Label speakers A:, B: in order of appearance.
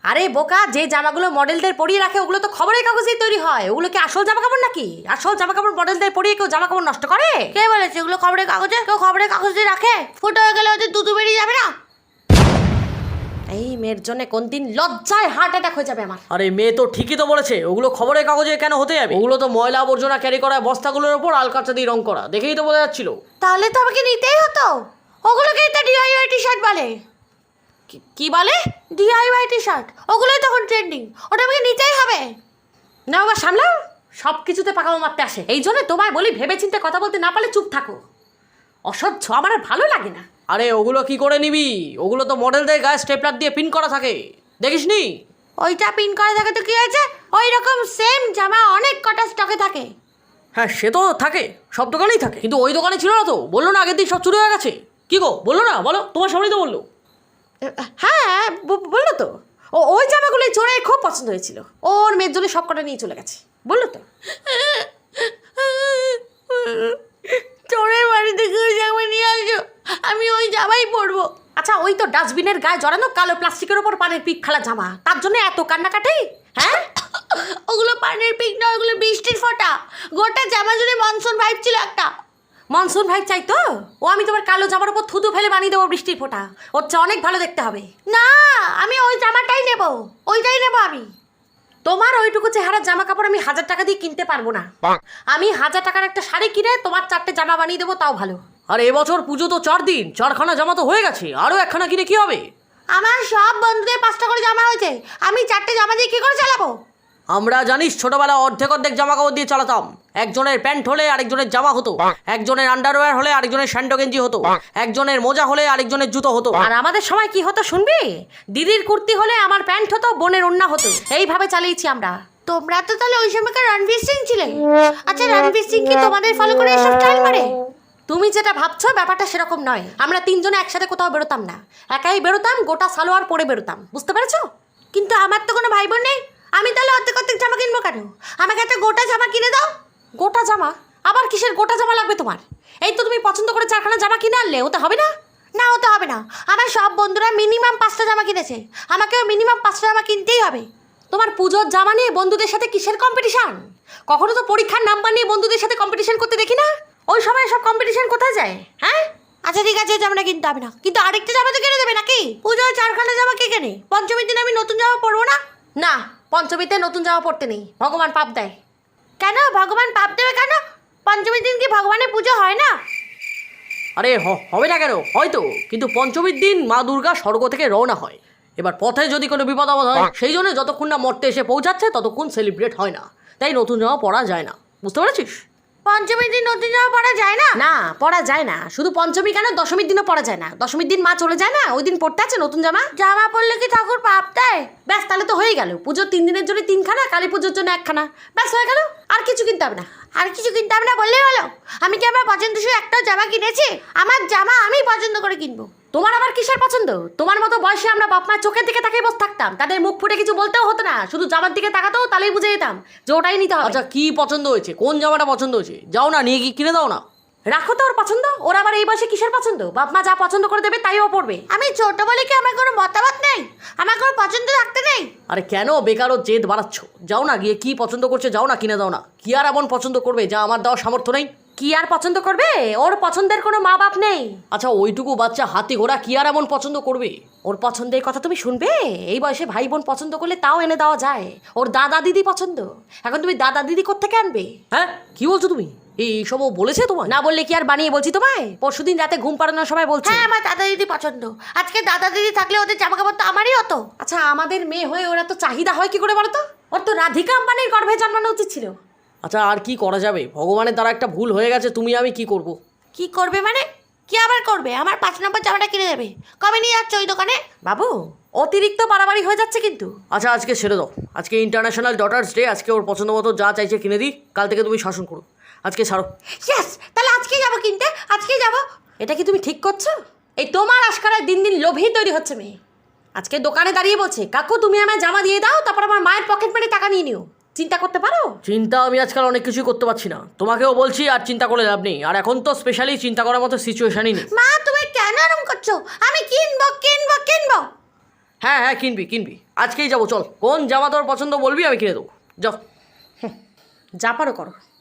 A: আরে বোকা, যে জামাগুলো মডেলদের পরিয়ে রাখে ওগুলো তো খবরের কাগজেই তৈরি হয়। ওগুলো কি আসল জামা কাপড় নাকি? আসল জামা কাপড় মডেলদের পরিয়ে কেউ জামা কাপড় নষ্ট করে? কে বলেছে এগুলো খবরের কাগজে? কেউ খবরের কাগজ দিয়ে রাখে? ফুটো হয়ে গেলে ওদের দুধু বেরিয়ে যাবে না? এই মেয়ের জন্য কোন দিন লজ্জায় হার্ট অ্যাটাক হয়ে যাবে আমার।
B: আরে মেয়ে তো ঠিকই তো বলেছে, ওগুলো খবরের কাগজে কেন হতে যাবে? ওগুলো তো ময়লা আবর্জনা ক্যারি করা বস্তাগুলোর ওপর আলকাতরা দিয়ে রং করা, দেখেই তো বোঝা যাচ্ছিল।
A: তাহলে তো আমাকে নিতেই হতো। ওগুলোকেই তো ডিআইওয়াই টি শার্ট বলে। কি বলে? ডিআইওয়াই টি শার্ট, ওগুলোই তখন ট্রেন্ডিং, ওটা আমাকে নিতেই হবে। না বাবা সামলাও, সব কিছুতে পাকামো মারতে আসে। এই জন্য তোমায় বলি ভেবে চিন্তে কথা বলতে না পারলে চুপ থাকো। অসহ্য, আমার আর ভালো লাগে না।
B: আরে ওগুলো কি করে নিবি? ওগুলো তো মডেলদের গায়ে স্টেপলার দিয়ে পিন করা থাকে, দেখিসনি?
A: ওইটা পিন করা থাকে তো কি হয়েছে? ওই রকম সেম জামা অনেক কটা স্টকে থাকে।
B: হ্যাঁ সে তো থাকে, সব দোকানেই থাকে, কিন্তু ওই দোকানে ছিল না তো, বললো না আগের দিন সব চুরি হয়ে গেছে। কি গো, বললো না? বলো, তোমার সামনেই তো বললো।
A: হ্যাঁ বললো তো। ওই জামাগুলোই চোরে খুব পছন্দ হয়েছিল, ওর মেয়ের জন্য সব কটা নিয়ে চলে গেছে, বললো তো। চোরের বাড়ি থেকে ওই জামা নিয়ে আসো, আমি ওই জামাই পরবো। আচ্ছা, ওই তো ডাস্টবিনের গায়ে জড়ানো কালো প্লাস্টিকের ওপর পানের পিক ফেলা জামা, তার জন্য এত কান্নাকাটি? হ্যাঁ ওগুলো পানের পিক না, ওগুলো বৃষ্টির ফোঁটা। গোটা জামা জুড়ে মনসুন ভাইব ছিল একটা। মনসুন ভাইব চাই তো? ও আমি তোমার কালো জামার উপর থুতু ফেলে বানিয়ে দেবো বৃষ্টির ফোঁটা, ওর চেয়ে অনেক ভালো দেখতে হবে। না, আমি ওই জামাটাই নেব, ওইটাই নেব আমি। তোমার ওইটুকু চেহারার জামা কাপড় আমি 1000 টাকা দিয়ে কিনতে পারবো না। আমি 1000 টাকার একটা শাড়ি কিনে তোমার 4টে জামা বানিয়ে দেবো, তাও ভালো।
B: আর এবছর পুজো তো 4 দিন, 4খানা জামা তো হয়ে গেছে, আরও একখানা কিনে কি হবে?
A: আমার সব বন্ধুদের 5টা করে জামা হয়েছে, আমি 4টে জামা দিয়ে কি করে চালাবো?
B: আমরা জানিস ছোটবেলা অর্ধেক অর্ধেক জামা কাপড় দিয়ে চালাতাম। একজনের প্যান্ট হলে আরেকজনের জামা হতো, একজনের আন্ডারওয়্যার হলে আরেকজনের স্যান্ডো গেঞ্জি হতো, একজনের মোজা হলে আরেকজনের জুতো হতো।
A: আর আমাদের সময় কি হতো শুনবি? দিদির কুর্তি হলে আমার প্যান্ট হতো, বোনের ওড়না হতো, এইভাবে চালিয়েছি আমরা। তোমরা তো তাহলে ওই সময়কার রণবীর সিং ছিলে। আচ্ছা, রণবীর সিং কি তোমাদের ফলো করে এসব স্টাইল মারে? তুমি যেটা ভাবছো ব্যাপারটা সেরকম নয়। আমরা 3 জনে একসাথে কোথাও বেরোতাম না, একাই বেরোতাম, গোটা সালোয়ার পরে বেরোতাম, বুঝতে পেরেছো? কিন্তু আমার তো কোনো ভাই বোন নেই, আমি তাহলে অর্ধেক অর্ধেক জামা কিনবো কেন? আমাকে একটা গোটা জামা কিনে দাও। গোটা জামা? আবার কিসের গোটা জামা লাগবে তোমার? এই তো তুমি পছন্দ করে 4খানা জামা কিনে আনলে, ওতে হবে না? না, ওতে হবে না। আমার সব বন্ধুরা মিনিমাম 5টা জামা কিনেছে, আমাকেও মিনিমাম 5টা জামা কিনতেই হবে। তোমার পুজোর জামা নিয়ে বন্ধুদের সাথে কিসের কম্পিটিশন? কখনো তো পরীক্ষার নাম্বার নিয়ে বন্ধুদের সাথে কম্পিটিশন করতে দেখি না। ওই সময় সব কম্পিটিশন কোথায় যায়? হ্যাঁ আচ্ছা ঠিক আছে, জামাটা কিনতে হবে না, কিন্তু আরেকটা জামা তো কিনে দেবে নাকি? পুজোয় 4খানা জামা কে কেনে? পঞ্চমীর দিন আমি নতুন জামা পরবো না। না, পঞ্চমীতে নতুন জামা পরতে নেই, ভগবান পাপ দেয়। কেন ভগবান পাপ দেবে কেন? পঞ্চমীর দিন কি ভগবানের পুজো হয় না?
B: আরে হবে না কেন? হয়তো, কিন্তু পঞ্চমীর দিন মা দুর্গা স্বর্গ থেকে রওনা হয়। এবার পথে যদি কোনো বিপদ আপদ হয়, সেই জন্য যতক্ষণ না মর্তে এসে পৌঁছাচ্ছে ততক্ষণ সেলিব্রেট হয় না, তাই নতুন জামা পরা যায় না, বুঝতে পেরেছিস?
A: পঞ্চমীর দিন নতুন জামা পরা যায় না? না, পরা যায় না। শুধু পঞ্চমী কেন, দশমীর দিনও পরা যায় না। দশমীর দিন মা চলে যায় না, ওই দিন পড়তে আছে নতুন জামা। জামা পরলে কি ঠাকুর পাপ দেয়? ব্যাস, তাহলে তো হয়ে গেল। পুজোর 3 দিনের জন্য 3খানা, কালী পুজোর জন্য 1খানা, ব্যাস হয়ে গেল। আর কিছু কিনতে হবে না। আর কিছু কিনতে হবে না বললেই হলো? আমি কি আমার পছন্দসই একটাও জামা কিনেছি? আমার জামা আমি পছন্দ করে কিনবো। তোমার আবার কিসের পছন্দ? তোমার মতো বয়সে আমরা বাপ মায়ের চোখের দিকে তাকিয়ে বসে থাকতাম, তাদের মুখ ফুটে কিছু বলতেও হতো না, শুধু জামার দিকে তাকাতেও তাহলেই বুঝে যেতাম যে ওটাই নিতে হবে।
B: আচ্ছা কি পছন্দ হয়েছে? কোন জামাটা পছন্দ হয়েছে? যাও না, নিয়ে কি কিনে দাও না।
A: রাখো তো ওর পছন্দ, ওর আবার এই বয়সে কিসের পছন্দ? বাপ মা যা পছন্দ করে দেবে তাই ও পড়বে। আমি ছোট বলে কি আমার কোনো মতামত নেই? আমার কোনো পছন্দ রাখতে নেই?
B: আরে কেন বেকারও জেদ বাড়াচ্ছ? যাও না, গিয়ে কি পছন্দ করছে যাও না, কিনে দাও না। কি আর এমন পছন্দ করবে যা আমার দেওয়ার সামর্থ্য নেই?
A: কি আর পছন্দ করবে? ওর পছন্দের কোনো মা বাপ নেই।
B: আচ্ছা ওইটুকু বাচ্চা হাতি ঘোড়া কি আর এমন পছন্দ করবে?
A: ওর পছন্দের কথা তুমি শুনবে? এই বয়সে ভাই বোন পছন্দ করলে তাও এনে দেওয়া যায়। ওর দাদা দিদি পছন্দ, এখন তুমি দাদা দিদি কোত্থেকে আনবে?
B: হ্যাঁ কি বলছো তুমি? এইসবও বলেছে তোমার?
A: না বললে কি আর বানিয়ে বলছি তোমায়? পরশুদিন রাতে ঘুম পাড়ানোর সময় বলছি, হ্যাঁ আমার দাদা দিদি পছন্দ। আজকে দাদা দিদি থাকলে ওদের জামা কাপড় তো আমারই হতো। আচ্ছা, আমাদের মেয়ে হয়ে ওরা তো চাহিদা হয় কি করে বলো তো? ওর তো রাধিকা আম্বানির গর্ভে জন্মানো উচিত ছিল।
B: আচ্ছা আর কি করা যাবে? ভগবানের দ্বারা একটা ভুল হয়ে গেছে, তুমি আমি কি করব?
A: কি করবে মানে? কি আবার করবে? আমার 5 নম্বর জামাটা কিনে দেবে। কবে নিয়ে যাচ্ছ ওই দোকানে? বাবু, অতিরিক্ত বাড়াবাড়ি হয়ে যাচ্ছে কিন্তু।
B: আচ্ছা আজকে ছেড়ে দাও, আজকে ইন্টারন্যাশনাল ডটার্স ডে, আজকে ওর পছন্দ মতো যা চাইছে কিনে দিই, কাল থেকে তুমি শাসন করো, আজকে ছাড়ো।
A: ইয়েস, তাহলে আজকেই যাবো কিনতে, আজকেই যাবো। এটা কি তুমি ঠিক করছো? এই তোমার আশকারায় দিন দিন লোভী তৈরি হচ্ছে মেয়ে। আজকে দোকানে দাঁড়িয়ে বলছে, কাকু তুমি আমায় জামা দিয়ে দাও, তারপর আমার মায়ের পকেট মেরে টাকা নিয়ে নিও। চিন্তা করতে পারো?
B: চিন্তা আমি আজকাল অনেক কিছুই করতে পারছি না, তোমাকেও বলছি আর চিন্তা করে লাভ নেই, আর এখন তো স্পেশালি চিন্তা করার মতো সিচুয়েশনই নেই।
A: মা তুমি কেন এরকম করছো? আমি কিনবো কিনবো কিনবো।
B: হ্যাঁ হ্যাঁ কিনবি কিনবি, আজকেই যাবো চল। কোন জামা তোর পছন্দ বলবি, আমি কিনে দেবো। যাও।
A: যা পারো করো।